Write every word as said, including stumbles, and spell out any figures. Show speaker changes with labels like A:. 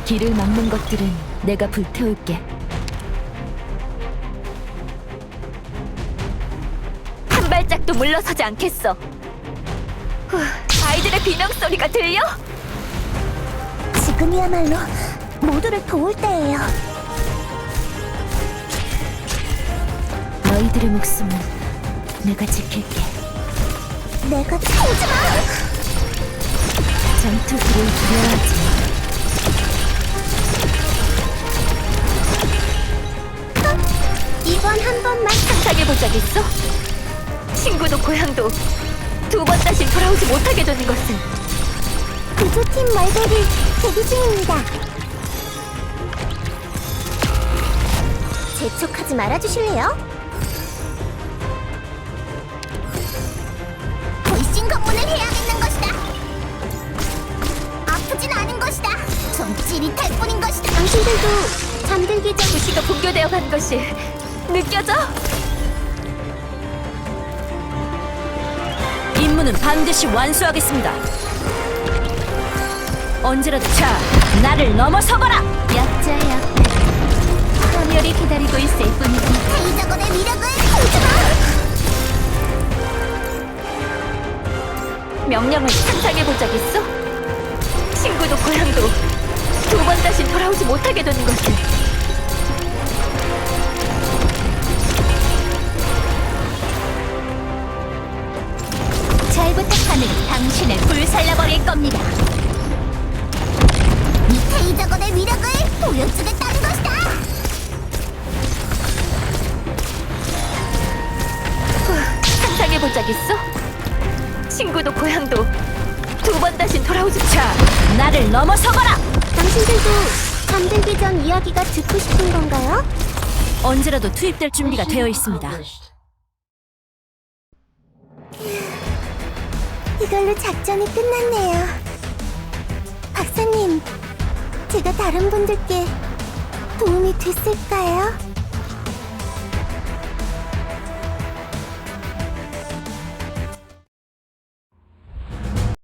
A: 길을 막는 것들은 내가 불태울게. 한 발짝도 물러서지 않겠어. 후, 아이들의 비명 소리가 들려?
B: 지금이야말로 모두를 도울 때예요.
A: 너희들의 목숨은 내가 지킬게.
B: 내가 오지마!
A: 전투기를 두려워하지 마.
B: 이번 한 번만
A: 상상해본 적 있어? 친구도 고향도 두 번 다시 돌아오지 못하게 되는 것은.
B: 구조팀 말들이 대기 중입니다. 재촉하지 말아주실래요? 돌싱 검문을 해야겠는 것이다. 아프진 않은 것이다. 좀 찌릿할 뿐인 것이다. 당신들도 잠들기 전
A: 도시가 붕괴되어 간 것이 느껴져? 임무는 반드시 완수하겠습니다. 언제라도 자, 나를 넘어서거라! 약자의 앞에 파멸이 기다리고 있을 뿐이지.
B: 테이저건의 위력을 보여주마!
A: 명령을 상상해본 적 있어? 친구도 고향도 두 번 다시 돌아오지 못하게 되는 것을. 잘 부탁하는 당신을 불살라버릴 겁니다.
B: 이 테이저건의 위력을 보여주겠다는 것이다!
A: 후, 상상해본 적 있어? 친구도 고향도 두 번 다시 돌아오지. 자, 나를 넘어서거라!
B: 당신들도 잠들기 전 이야기가 듣고 싶은 건가요?
A: 언제라도 투입될 준비가 되어 있습니다.
B: 이걸로 작전이 끝났네요. 박사님, 제가 다른 분들께 도움이 됐을까요?